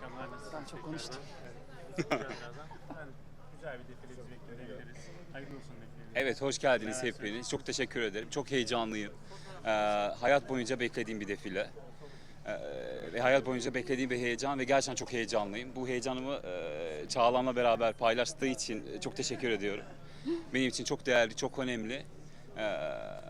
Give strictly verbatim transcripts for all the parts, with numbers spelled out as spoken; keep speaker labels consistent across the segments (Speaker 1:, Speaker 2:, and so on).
Speaker 1: akşamlar, nasılsınız?
Speaker 2: Ben çok konuştum.
Speaker 1: Evet, birazdan. Yani güzel bir defile bizi bekliyor diyebiliriz. Hayırlı olsun defileniz.
Speaker 3: Evet, hoş geldiniz hepiniz. Çok teşekkür ederim. Çok heyecanlıyım. Ee, hayat boyunca beklediğim bir defile. Ee, ve hayat boyunca beklediğim bir heyecan ve gerçekten çok heyecanlıyım. Bu heyecanımı e, Çağlan'la beraber paylaştığı için çok teşekkür ediyorum. Benim için çok değerli, çok önemli. Ee,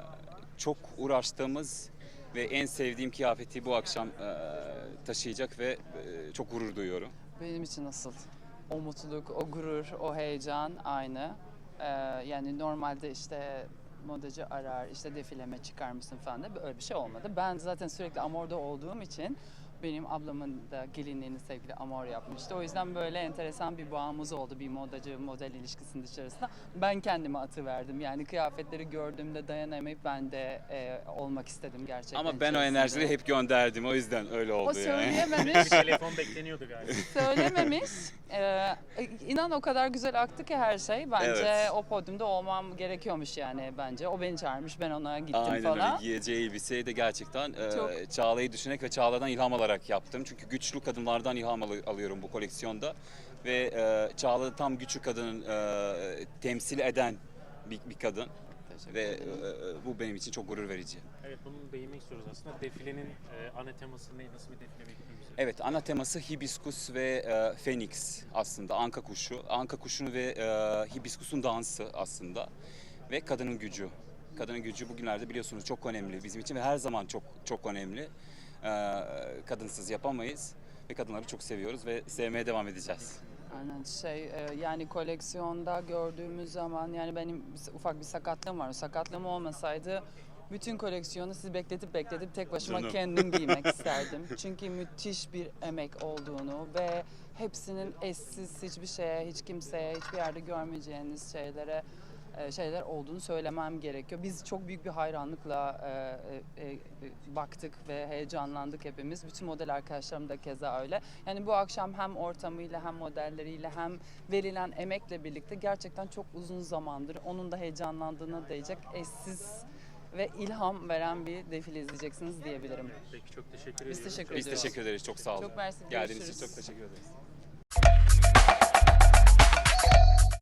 Speaker 3: çok uğraştığımız ve en sevdiğim kıyafeti bu akşam e, taşıyacak ve e, çok gurur duyuyorum.
Speaker 2: Benim için nasıl? O mutluluk, o gurur, o heyecan aynı. Ee, yani normalde işte modacı arar, işte defileme çıkar mısın falan da böyle bir şey olmadı. Ben zaten sürekli Amor'da olduğum için benim ablamın da gelinliğini sevgili Amor yapmıştı. O yüzden böyle enteresan bir bağımız oldu bir modacı model ilişkisinin içerisinde. Ben kendime atıverdim. Yani kıyafetleri gördüğümde dayanamayıp ben de e, olmak istedim gerçekten.
Speaker 3: Ama ben o
Speaker 2: içerisinde.
Speaker 3: enerjileri hep gönderdim. O yüzden öyle oldu
Speaker 2: O
Speaker 3: yani.
Speaker 2: söyleyememiş.
Speaker 1: Bir telefon bekleniyordu galiba.
Speaker 2: Söylememiş. Ee, inan o kadar güzel aktı ki her şey. Bence
Speaker 3: Evet.
Speaker 2: o podyumda olmam gerekiyormuş yani bence. O beni çağırmış, ben ona gittim
Speaker 3: Aynen
Speaker 2: falan.
Speaker 3: öyle. Giyeceği elbiseyi de gerçekten e,
Speaker 2: Çok-
Speaker 3: Çağla'yı düşünerek ve Çağla'dan ilham alarak yaptım. Çünkü güçlü kadınlardan ilham al- alıyorum bu koleksiyonda. Ve e, Çağla tam güçlü kadının e, temsil eden bir, bir kadın.
Speaker 2: Teşekkür
Speaker 3: Ve e,
Speaker 2: ederim.
Speaker 3: e, bu benim için çok gurur verici.
Speaker 1: Evet, bunu değinmek istiyoruz aslında. Defilenin e, ana teması ne? Nasıl bir defile bekliyoruz?
Speaker 3: Evet, ana teması hibiskus ve e, fenix aslında, anka kuşu. Anka kuşunu ve e, hibiskusun dansı aslında ve kadının gücü. Kadının gücü bugünlerde biliyorsunuz çok önemli bizim için ve her zaman çok çok önemli. E, kadınsız yapamayız ve kadınları çok seviyoruz ve sevmeye devam edeceğiz.
Speaker 2: Aynen şey e, yani koleksiyonda gördüğümüz zaman yani benim ufak bir sakatlığım var. O sakatlığım olmasaydı bütün koleksiyonu sizi bekletip bekletip tek başıma
Speaker 3: Canım.
Speaker 2: kendim giymek isterdim. Çünkü müthiş bir emek olduğunu ve hepsinin eşsiz, hiçbir şeye, hiç kimseye, hiçbir yerde görmeyeceğiniz şeylere e, şeyler olduğunu söylemem gerekiyor. Biz çok büyük bir hayranlıkla e, e, e, baktık ve heyecanlandık hepimiz. Bütün model arkadaşlarım da keza öyle. Yani bu akşam hem ortamıyla hem modelleriyle hem verilen emekle birlikte gerçekten çok uzun zamandır onun da heyecanlandığına değecek eşsiz ve ilham veren bir defile izleyeceksiniz diyebilirim.
Speaker 1: Peki, çok teşekkür
Speaker 2: Biz
Speaker 1: ediyoruz.
Speaker 2: teşekkür
Speaker 3: Biz
Speaker 2: ediyoruz.
Speaker 3: teşekkür ederiz, çok sağ olun.
Speaker 2: Çok mersi,
Speaker 3: Geldiğiniz için
Speaker 2: görüşürüz.
Speaker 3: çok teşekkür ederiz.